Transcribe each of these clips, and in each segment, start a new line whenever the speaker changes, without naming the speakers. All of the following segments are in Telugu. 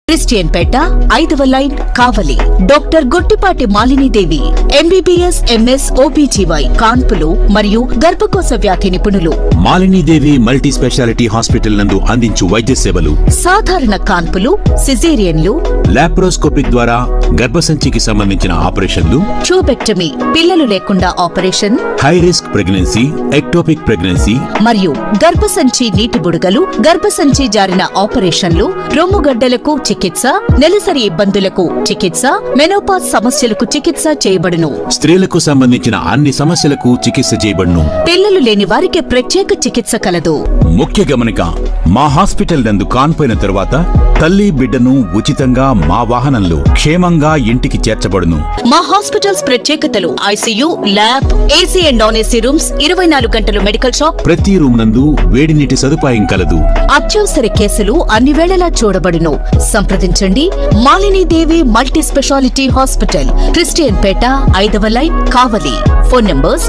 క్రిస్టియన్ పేట 5వ line Kavali. Doctor Gottipati Malinidevi MBBS MS OBGY కాన్పులు మరియు గర్భకోశ వ్యాధి నిపుణులు.
మాలినీదేవి మల్టీ స్పెషాలిటీ హాస్పిటల్ నందు అందించు వైద్య సేవలు
సాధారణ కాన్పులు, సిజేరియన్లు,
లాప్రోస్కోపిక్ ద్వారా గర్భసంచికి సంబంధించిన ఆపరేషన్లు,
ట్యూబెక్టమీ పిల్లలు లేకుండా operation,
high risk pregnancy, ectopic pregnancy
మరియు గర్భసంచి నీటి బుడగలు, గర్భసంచి జారిన ఆపరేషన్లు, రొమ్ముగడ్డలకు చికిత్స, నెలసరి ఇబ్బందులకు చికిత్స, మెనోపాజ్ సమస్యలకు చికిత్స చేయబడును.
స్త్రీలకు సంబంధించిన అన్ని సమస్యలకు చికిత్స చేయబడును.
పిల్లలు లేని వారికి ప్రత్యేక చికిత్స కలదు.
ముఖ్య గమనిక, మా హాస్పిటల్ నందు కాన్పోయిన తరువాత తల్లి బిడ్డను ఉచితంగా మా వాహనంలో క్షేమంగా ఇంటికి చేర్చబడును.
మా హాస్పిటల్స్ ప్రత్యేకతలు: ICU, lab, AC and non AC rooms, 24 గంటలు మెడికల్ షాప్,
ప్రతి రూమ్ నందు వేడి నీటి సదుపాయం కలదు.
అత్యవసర కేసులు అన్ని వేళలా చూడబడును. సంప్రదించండి Malinidevi multi speciality hospital, Christianpet 5వ లైన్ కావలి. ఫోన్ నంబర్స్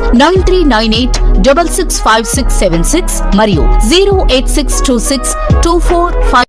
9398665676 మరియు 086262455.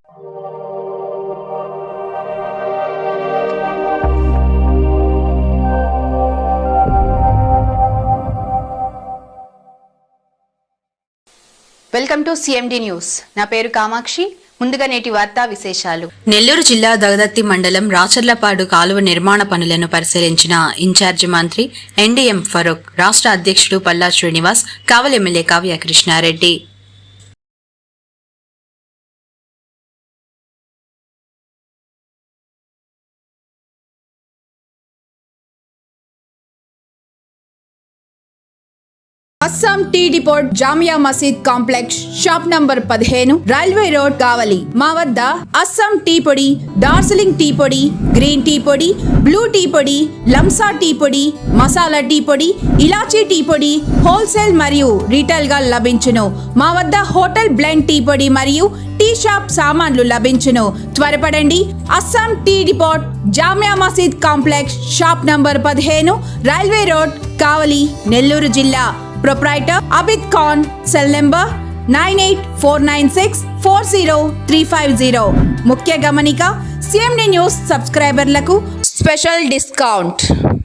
Welcome to CMD news. నా పేరు కామాక్షి. ముందుగా నేటి వార్తా విశేషాలు.
నెల్లూరు జిల్లా దగదత్తి మండలం రాచర్లపాడు కాలువ నిర్మాణ పనులను పరిశీలించిన ఇన్ఛార్జి మంత్రి ఎన్డీఎం ఫరూక్, రాష్ట్ర అధ్యక్షుడు Palla Srinivas, Kavali MLA Kavya Krishnareddy.
Assam tea depot, Jamia Masjid complex, shop number 15, railway road, Kavali. మా వద్ద అస్సాం టీ పొడి, డార్జిలింగ్ టీ పొడి, గ్రీన్ టీ పొడి, బ్లూ టీ పొడి, లంసా టీ పొడి, మసాలా టీ పొడి, ఇలాచీ టీ పొడి హోల్సేల్ మరియు రీటైల్ గా లభించును. మా వద్ద హోటల్ బ్లెండ్ టీ పొడి మరియు టీ షాప్ సామాన్లు లభించును. త్వరపడండి. Assam tea depot, Jamia Masjid complex, shop number 15, railway road, Kavali, Nellore జిల్లా. Proprietor Abid Khan. Cell number 9849640350. ముఖ్య గమనిక, సిఎండి న్యూస్ సబ్స్క్రైబర్లకు స్పెషల్ డిస్కౌంట్.